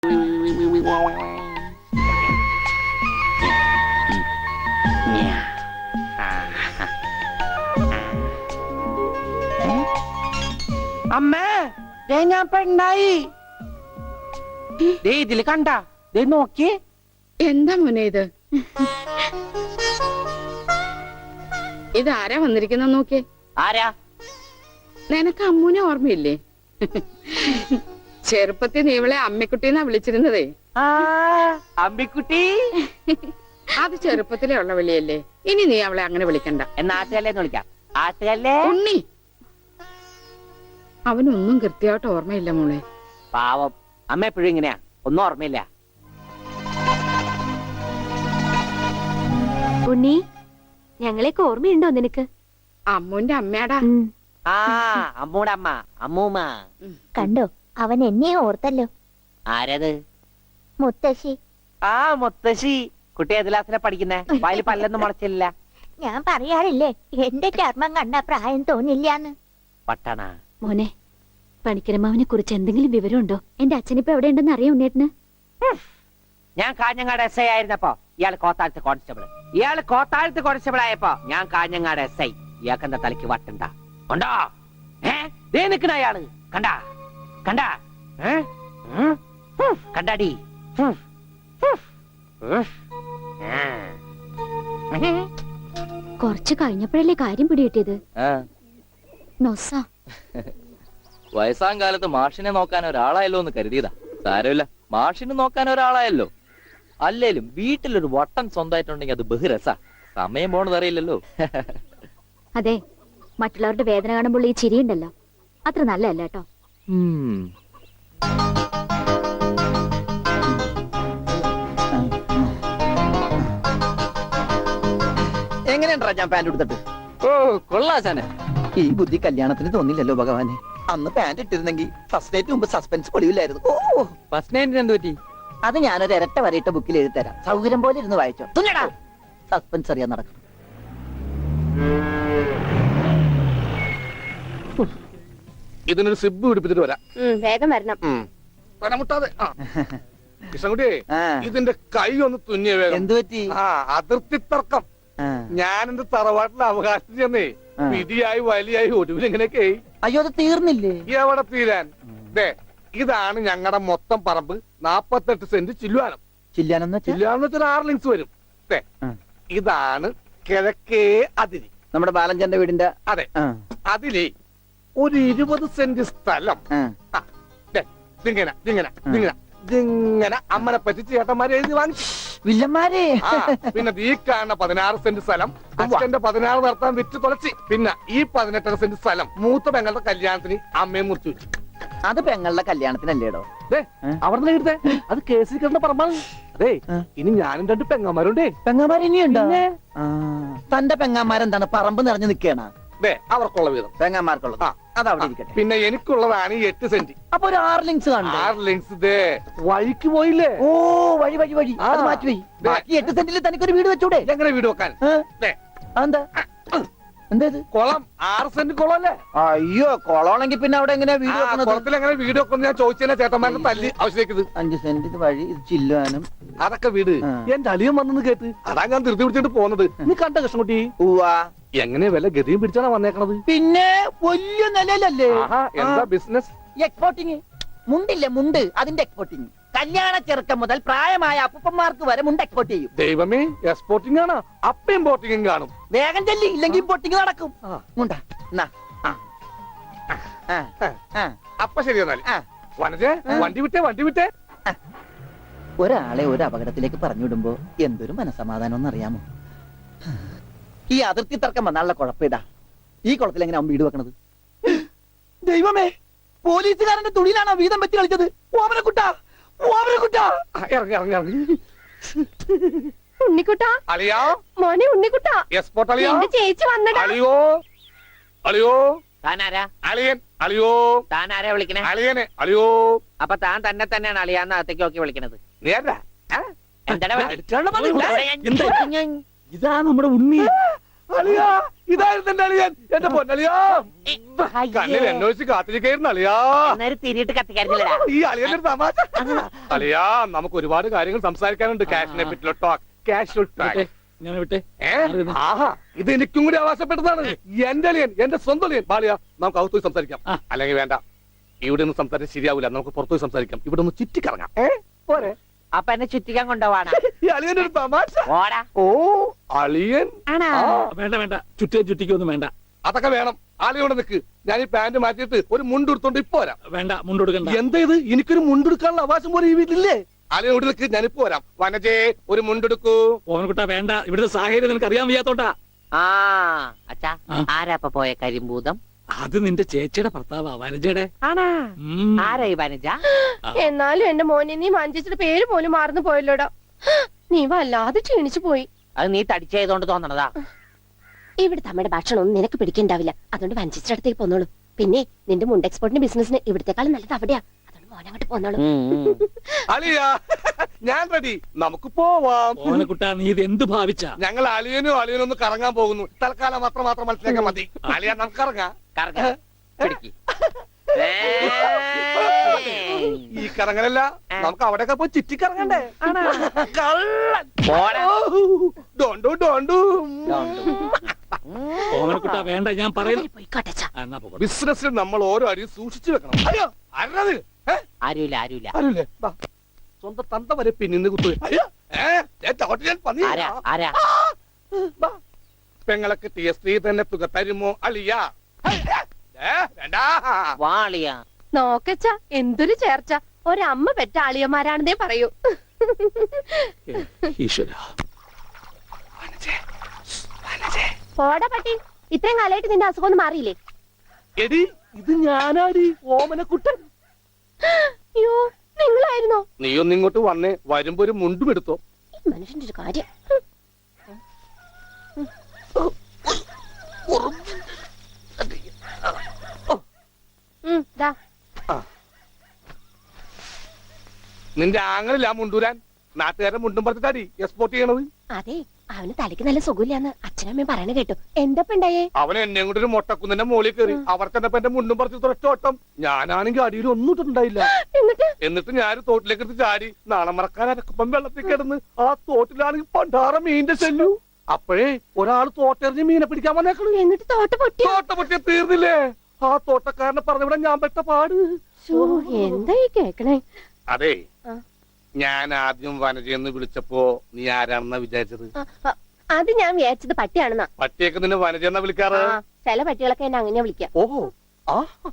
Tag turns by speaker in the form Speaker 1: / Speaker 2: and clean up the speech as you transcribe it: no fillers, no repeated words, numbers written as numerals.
Speaker 1: അമ്മേ ഞാൻ പെണ്ണായി. ഇതില് കണ്ട നോക്കി.
Speaker 2: എന്താ മോനെ ഇത്? ഇതാരാ വന്നിരിക്കുന്ന നോക്കി?
Speaker 1: ആരാ?
Speaker 2: നിനക്ക് അമ്മൂനെ ഓർമ്മയില്ലേ? ചെറുപ്പത്തിൽ നീ ഇവളെ അമ്മിക്കുട്ടിന്നാ വിളിച്ചിരുന്നതേ.
Speaker 1: അമ്മിക്കുട്ടി
Speaker 2: അത് ചെറുപ്പത്തിലേ ഉള്ള വിളിയല്ലേ. ഇനി നീ അവളെ അങ്ങനെ വിളിക്കണ്ട.
Speaker 1: എന്നാ ആട്ടുകല്ലേന്ന് വിളിക്കാം. ആട്ടുകല്ലേ
Speaker 2: ഉണ്ണി. അവനൊന്നും കൃത്യമായിട്ട് ഓർമ്മയില്ല മോളെ.
Speaker 1: പാവം അമ്മ എപ്പോഴും ഇങ്ങനെയാ, ഒന്നും ഓർമ്മയില്ല.
Speaker 3: ഉണ്ണി, ഞങ്ങളെയൊക്കെ ഓർമ്മയുണ്ടോ നിനക്ക്?
Speaker 2: അമ്മൂന്റെ അമ്മയാടാ.
Speaker 1: ആ അമ്മൂടെ അമ്മ, അമ്മൂമ്മ.
Speaker 3: കണ്ടോ, അവൻ എന്നെ ഓർത്തല്ലോ.
Speaker 1: ആരത്?
Speaker 3: മുത്തശ്ശി.
Speaker 1: ആ മുത്തശ്ശി. കുട്ടി ഏത് ക്ലാസ്സിലാ പഠിക്കുന്നേ? വായിൽ പല്ലൊന്നും മുളച്ചില്ല.
Speaker 3: ഞാൻ പറയാറില്ലേ, എന്റെ ചർമ്മം കണ്ട പ്രായം തോന്നില്ലാന്ന്.
Speaker 1: പട്ടണ
Speaker 3: മോനെ, പണിക്കരമാവിനെ കുറിച്ച് എന്തെങ്കിലും വിവരമുണ്ടോ? എന്റെ അച്ഛനിപ്പോ എവിടെ ഉണ്ടെന്ന് അറിയാം ഉണ്ണേട്ടന്?
Speaker 1: ഞാൻ കാഞ്ഞങ്ങാട് SI ആയിരുന്നപ്പോ ഇയാള് കോത്താഴത്ത് കോൺസ്റ്റബിൾ ആയപ്പോ ഞാൻ കാഞ്ഞങ്ങാട് SI. ഇയാൾക്ക് എന്താ തലയ്ക്ക് വട്ടുണ്ടാ? ഉണ്ടോ? ദേ നിക്കണ അയാള്. കണ്ടാ കണ്ടാ കണ്ടാടി?
Speaker 3: കുറച്ച് കഴിഞ്ഞപ്പോഴല്ലേ കാര്യം പിടികിട്ടിയത്. നൊസ
Speaker 4: വയസ്സാം കാലത്ത് മാഷിനെ നോക്കാൻ ഒരാളായല്ലോ എന്ന് കരുതിയതാ. സാരമില്ല, മാഷിനെ നോക്കാൻ ഒരാളായല്ലോ. അല്ലേലും വീട്ടിലൊരു വട്ടൻ സ്വന്തമായിട്ടുണ്ടെങ്കിൽ അത് ബഹുരസാ. സമയം പോണത് അറിയില്ലല്ലോ.
Speaker 3: അതെ, മറ്റുള്ളവരുടെ വേദന കാണുമ്പോൾ ഈ ചിരിയുണ്ടല്ലോ, അത്ര നല്ലതല്ല കേട്ടോ.
Speaker 5: എങ്ങനെയുണ്ടാ ഞാൻ പാന്റ് എടുത്തിട്ട്?
Speaker 4: ഓ കൊള്ളാശാനെ.
Speaker 5: ഈ ബുദ്ധി കല്യാണത്തിന് തോന്നില്ലല്ലോ ഭഗവാനെ. അന്ന് പാന്റ് ഇട്ടിരുന്നെങ്കിൽ ഫസ്റ്റ് നൈറ്റ് മുമ്പ് സസ്പെൻസ് പൊളിയില്ലായിരുന്നു. ഓ
Speaker 4: ഫസ്റ്റ് നൈറ്റിന് എന്ത് പറ്റി?
Speaker 5: അത് ഞാനൊരു ഇരട്ട വരയിട്ട ബുക്കിൽ എഴുതി തരാം. സൗകര്യം പോലെ ഇരുന്ന് വായിച്ചോ. സസ്പെൻസ് അറിയാൻ നടക്കും.
Speaker 6: ഇതിനൊരു സിബ് പിടിപ്പിച്ചിട്ട് വരാം.
Speaker 3: വേഗം വരണം.
Speaker 6: മുട്ടാതെ കൃഷ്ണൻകുട്ടി, ഇതിന്റെ കൈ ഒന്ന് തുന്നിയ വേഗം.
Speaker 5: എന്ത് പറ്റി?
Speaker 6: അതിർത്തി തർക്കം. ഞാൻ എന്റെ തറവാട്ടിലെ അവകാശം ചെന്നേ വിധിയായി വലിയായി ഒടുവിൽ ഇങ്ങനെയൊക്കെ.
Speaker 5: അയ്യോ, അത് തീർന്നില്ലേ?
Speaker 6: എവിടെ തീരാൻ? ഇതാണ് ഞങ്ങളുടെ മൊത്തം പറമ്പ്. 48 സെന്റ് ചില്ലുവാനം.
Speaker 5: ചില്ലാനെന്ന്
Speaker 6: വെച്ചാൽ 6 ലിങ്സ് വരും. ഇതാണ് കിഴക്കേ അതിരി.
Speaker 5: നമ്മുടെ ബാലഞ്ചന്റെ വീടിന്റെ.
Speaker 6: അതെ, അതിലേ ഒരു 20 സെന്റ് സ്ഥലം ഇങ്ങനെ അമ്മനെ പറ്റിച്ച് ചേട്ടന്മാരെ എഴുതി വാങ്ങിച്ചു.
Speaker 5: വില്ലന്മാരെ.
Speaker 6: പിന്നെ ഈ കാണുന്ന 16 സെന്റ് സ്ഥലം അച്ഛന്റെ 16 നടത്താൻ വിറ്റ് തുളച്ചി. പിന്നെ ഈ 18 സെന്റ് സ്ഥലം മൂത്ത പെങ്ങളുടെ കല്യാണത്തിന് അമ്മയെ മുറിച്ചു വെച്ചു.
Speaker 5: അത് പെങ്ങളുടെ കല്യാണത്തിനല്ലേടോ?
Speaker 6: അവിടെ എടുത്തേ, അത് കേസിൽ കിടന്ന പറമ്പാണ്. അതെ, ഇനി ഞാനും 2 പെങ്ങന്മാരുണ്ടേ.
Speaker 5: പെങ്ങന്മാർ ഇനിയുണ്ടോ? തന്റെ പെങ്ങന്മാരെന്താണ് പറമ്പ് നിറഞ്ഞു നിൽക്കണ?
Speaker 6: അവർക്കുള്ള വീതം
Speaker 5: പെങ്ങന്മാർക്കുള്ളത് അതവിടെ ഇരിക്കട്ടെ.
Speaker 6: പിന്നെ എനിക്കുള്ളതാണ് 8 സെന്റ്.
Speaker 5: അപ്പൊ ഒരു 6 ലിങ്സ് കാണും.
Speaker 6: 6 ലിങ്സ് വഴിക്ക് പോയില്ലേ?
Speaker 5: ഓ, വഴി അത് മാറ്റി. ബാക്കി 8 സെന്റിൽ തനിക്കൊരു വീട് വെച്ചൂടെ?
Speaker 6: എങ്ങനെ വീട് വെക്കാൻ?
Speaker 5: അതെന്താ? എന്തേത്?
Speaker 6: കുളം 6 സെന്റ് കുളം അല്ലേ?
Speaker 5: അയ്യോ, കുളമാണെങ്കിൽ പിന്നെ അവിടെ എങ്ങനെയാ വീട് വെക്കുന്നത്?
Speaker 6: കുളത്തിൽ എങ്ങനെ വീട് വെക്കുന്നത് ഞാൻ ചോദിച്ചാൽ ചേട്ടന്മാരുടെ തല്ലി ആവശ്യത്തേക്ക്.
Speaker 5: 5 സെന്റ് ഇത് വഴി, ഇത് ചില്ലുവാനും.
Speaker 6: അതൊക്കെ വീട്. എന്റെ അളിയൻ വന്നെന്ന് കേട്ട് അതാ ഞാൻ ധൃതി പിടിച്ചിട്ട് പോകുന്നത്. നീ കണ്ട കൃഷ്ണൻകുട്ടി? എങ്ങനെ വല്ല ഗതിയും പിടിച്ചാണ് വന്നേക്കണത്?
Speaker 5: പിന്നെ വലിയ നിലയിലല്ലേ?
Speaker 6: എന്താ ബിസിനസ്?
Speaker 5: എക്സ്പോർട്ടിങ്. മുണ്ടില്ലേ, മുണ്ട്, അതിന്റെ എക്സ്പോർട്ടിങ്. കല്യാണ ചെറുക്കം മുതൽ പ്രായമായ അപ്പൂപ്പന്മാർക്ക് വരെ മുണ്ട് എക്സ്പോർട്ട് ചെയ്യും.
Speaker 6: ദൈവമേ, എക്സ്പോർട്ടിംഗ് ആണ്. അപ്പ ഇമ്പോർട്ടിംഗും കാണും.
Speaker 5: വേഗം ചെല്ലി, ഇല്ലെങ്കിൽ ഇമ്പോർട്ടിംഗ് നടക്കും. മുണ്ട
Speaker 6: അപ്പൊ ശരി എന്നാൽ വനജേ, വണ്ടി വിട്ടേ.
Speaker 5: ഒരാളെ ഒരു അപകടത്തിലേക്ക് പറഞ്ഞു വിടുമ്പോ എന്തൊരു മനസമാധാനം എന്നറിയാമോ? ഈ അതിർത്തി തർക്കം വന്നാലുള്ള കുഴപ്പമിതാ. ഈ കുളത്തിൽ എങ്ങനെ വീട് വെക്കണത്? ദൈവമേ, പോലീസുകാരന്റെ തുണിയിലാണോ വീതം വെച്ച് കളിച്ചത്? ഓമനക്കുട്ടാ.
Speaker 6: ഇറങ്ങി
Speaker 3: ഉണ്ണിക്കുട്ടാ,
Speaker 6: അളിയാ,
Speaker 3: മോനെ ഉണ്ണിക്കുട്ടാ,
Speaker 6: എക്സ്പോർട്ട് അളിയാ.
Speaker 3: ചേച്ചി വന്നടാ.
Speaker 6: അളിയോ
Speaker 1: താനാരാ?
Speaker 6: അളിയൻ. അളിയോ,
Speaker 1: താനാരാ വിളിക്കണേ?
Speaker 6: അളിയനെ. അളിയോ.
Speaker 1: അപ്പൊ താൻ തന്നെയാണ് അളിയാന്ന് അകത്തേക്ക് നോക്കി വിളിക്കണത്.
Speaker 6: നേരാ?
Speaker 1: എന്താ
Speaker 6: ഇതാ നമ്മുടെ ഉണ്ണി. അളിയാ, ഇതായിരുന്നു എന്റെ അളിയൻ, എന്റെ പൊന്നളിയാ. കണ്ണിൽ എന്നൊഴിച്ച് കാത്തിരിക്കായിരുന്നു അളിയാ.
Speaker 1: അന്നേരം തിരിയിട്ട് കത്തിക്കാരുന്നില്ലടാ.
Speaker 6: ഈ അളിയന്റെ ഒരു തമാശ. അളിയാ, നമുക്ക് ഒരുപാട് കാര്യങ്ങൾ സംസാരിക്കാനുണ്ട്. ക്യാഷിനെ പറ്റിയുള്ള ടോക്ക്, ക്യാഷ് ടോക്ക്.
Speaker 7: ഞാൻ വിട്ടെ
Speaker 6: ആഹാ, ഇത് എനിക്കും കൂടി അവകാശപ്പെട്ടതാണ്. എന്റെ അളിയൻ, എന്റെ സ്വന്തം അളിയൻ. ബാലിയ, നമുക്ക് അകത്ത് പോയി സംസാരിക്കാം. അല്ലെങ്കിൽ വേണ്ട, ഇവിടെ നിന്ന് സംസാരിച്ചാൽ ശരിയാവില്ല. നമുക്ക് പുറത്തു പോയി സംസാരിക്കാം. ഇവിടെ ഒന്ന് ചുറ്റിക്കറങ്ങാം. പോരെ?
Speaker 1: അപ്പൊ എന്നെ ചുറ്റിക്കാൻ കൊണ്ടുപോവാണ്.
Speaker 6: ഈ അളിയന്റെ ഒരു തമാശ.
Speaker 1: ഓടാ.
Speaker 6: ഓ, അളിയൻ.
Speaker 1: ആണോ?
Speaker 7: വേണ്ട വേണ്ട ചുറ്റിക്കൊന്നും വേണ്ട.
Speaker 6: അതൊക്കെ വേണം. ആളിയോടെ നിൽക്ക്. ഞാൻ ഈ പാന്റ് മാറ്റിയിട്ട് ഒരു മുണ്ടെടുത്തോണ്ട് ഇപ്പൊ വരാം.
Speaker 7: വേണ്ട മുണ്ടെടുക്കണ്ട.
Speaker 6: എന്താ ഇത്? എനിക്കൊരു മുണ്ടെടുക്കാനുള്ള അവകാശം പോലെ ഈ വീട്ടിലില്ലേ? ആളിയോട് നിൽക്ക്, ഞാനിപ്പോ വരാം. വനജേ, ഒരു മുണ്ടെടുക്കൂ.
Speaker 7: ഓമനക്കുട്ട വേണ്ട, ഇവിടുത്തെ സാഹചര്യം നിനക്ക് അറിയാൻ വയ്യാത്തോട്ടാ.
Speaker 1: ആ അച്ഛാ, ആരാ ഇപ്പൊ പോയ കരിമ്പൂതം?
Speaker 7: അത് നിന്റെ ചേച്ചിയുടെ ഭർത്താവാ വനജയുടെ.
Speaker 1: ആണാ? ആരാ ഈ വനജ?
Speaker 8: എന്നാലും എന്റെ മോനെ നീ മഞ്ചിച്ചിട്ട് പേര് പോലും മറന്നു പോയല്ലോടാ. നീ വല്ലാതെ ക്ഷീണിച്ചു പോയി.
Speaker 1: അത് നീ തടിച്ചതുകൊണ്ട് തോന്നണതാ.
Speaker 8: ഇവിടുത്തെ അമ്മയുടെ ഭക്ഷണം ഒന്നും നിനക്ക് പിടിക്കണ്ടാവില്ല. അതുകൊണ്ട് വഞ്ചിച്ചിട്ട് അടുത്തേക്ക് പോന്നോളൂ. പിന്നെ നിന്റെ മുണ്ട് എക്സ്പോർട്ടിന്റെ ബിസിനസിന് ഇവിടത്തെക്കാളും നല്ലത് അവിടെയാ. അതുകൊണ്ട് മോനങ്ങോട്ട് പോന്നോളൂ.
Speaker 6: അളിയാ, ഞാൻ റെഡി. നമുക്ക് പോവാം.
Speaker 7: ഓമനക്കുട്ട നീ ഇത് എന്ത് ഭാവിച്ച?
Speaker 6: ഞങ്ങൾ അളിയനും അളിയനും ഒന്ന് കറങ്ങാൻ പോകുന്നു. തൽക്കാലം മാത്രം മനസ്സിലാക്കാൻ മതി. അളിയാ, നമുക്ക് ഇറങ്ങാം.
Speaker 1: കറങ്ങ. പിടിക്ക്.
Speaker 6: ഈ കറങ്ങലല്ല, നമുക്ക് അവിടെയൊക്കെ പോയി ചുറ്റിക്കറങ്ങണ്ടേ? കള്ളൻ.
Speaker 1: പോടാ.
Speaker 6: ഡോണ്ടു ഡോണ്ടു.
Speaker 7: ഓമനക്കുട്ട വേണ്ട, ഞാൻ പറയുന്നു.
Speaker 8: പോയിക്കോട്ടെ അച്ഛാ.
Speaker 7: എന്നാ പോകട്ടെ.
Speaker 6: ബിസിനസ്സിൽ നമ്മൾ ഓരോ അരിയും സൂക്ഷിച്ചു വെക്കണം. അയ്യോ, അരുത്.
Speaker 1: ആരുമില്ല ആരുമില്ല.
Speaker 6: ആരുല്ലേ? വാ. സ്വന്തം തന്ത വരെ പിന്നിന്ന് കുത്തു. അയ്യോ, ചവിട്ടി ഞാൻ പന്നി.
Speaker 1: ആരാ ആരാ?
Speaker 6: വാ. പെങ്ങളൊക്കെ കിട്ടിയ സ്ത്രീ തന്നെ തുക തരുമോ അളിയ? വേണ്ട.
Speaker 1: വാളിയാ.
Speaker 8: നോക്കച്ച എന്തൊരു ചേർച്ച. ഒരമ്മ പെറ്റ ആളിയന്മാരാണെന്നേ പറയൂ.
Speaker 7: ഈശ്വര,
Speaker 8: പോടാ പട്ടി. ഇത്രയും കാലമായിട്ട് നിന്റെ അസുഖം ഒന്നും മാറിയില്ലേ?
Speaker 6: എടി, ഇത് ഞാനാടി, ഓമനക്കുട്ടൻ.
Speaker 8: അയ്യോ, നിങ്ങളായിരുന്നോ?
Speaker 6: നീ ഒന്ന് ഇങ്ങോട്ട് വന്നേ. വരുമ്പോ ഒരു മുണ്ടും എടുത്തോ.
Speaker 8: ഈ മനുഷ്യന്റെ ഒരു കാര്യം. ദാ.
Speaker 6: നിന്റെ ആങ്ങളില്ല മുണ്ടൂരാൻ. നാട്ടുകാരെ മുണ്ടും പറഞ്ഞിട്ടാടി എക്സ്പോർട്ട് ചെയ്യണത്.
Speaker 8: അതെ, അവന് തലയ്ക്ക് നല്ല സുഖമില്ലാന്ന് അച്ഛനമ്മയും പറയണ കേട്ടു. എന്താ ഉണ്ടായേ?
Speaker 6: അവൻ എന്നെ കൊണ്ട് ഒരു മൊട്ടക്കുന്നിന്റെ മോളിൽ കയറി. അവർ ചെന്നപ്പോ എന്റെ മുണ്ടും പറിച്ച് ഒറ്റോട്ടം. ഞാനാണെങ്കിൽ അടിയിൽ ഒന്നും ഇട്ടിട്ടുണ്ടായില്ല. എന്നിട്ട് ഞാൻ തോട്ടിലേക്ക് എടുത്ത് ചാടി. നാളെ മറക്കാൻ അരക്കുപ്പം വെള്ളത്തിൽ കിടന്ന് ആ തോട്ടിലാണെങ്കിൽ പണ്ടാറ മീനിന്റെ ചെല്ലു. അപ്പോഴേ ഒരാൾ തോട്ടെറിഞ്ഞ് മീനെ പിടിക്കാൻ വന്നേക്കണു.
Speaker 8: എന്നിട്ട് തോട്ട പൊട്ടി.
Speaker 6: തോട്ട പൊട്ടിയ തീർന്നില്ലേ? ആ തോട്ടക്കാരനെ പറഞ്ഞവിടെ ഞാൻ പെട്ട പാട്.
Speaker 8: എന്താ ഈ കേക്കണേ?
Speaker 6: അതെ, ഞാൻ ആദ്യം വനജയെന്ന് വിളിച്ചപ്പോ നീ ആരാണെന്നാ വിചാരിച്ചത്?
Speaker 8: അത് ഞാൻ വിചാരിച്ചത് പട്ടിയാണെന്നാ.
Speaker 6: പട്ടിയൊക്കെ നിന്നെ വനജയെന്നാ വിളിക്കാറ്.
Speaker 8: ചില പട്ടികളൊക്കെ എന്നെ അങ്ങനെ വിളിക്കാം.
Speaker 6: ഓഹോ, ആ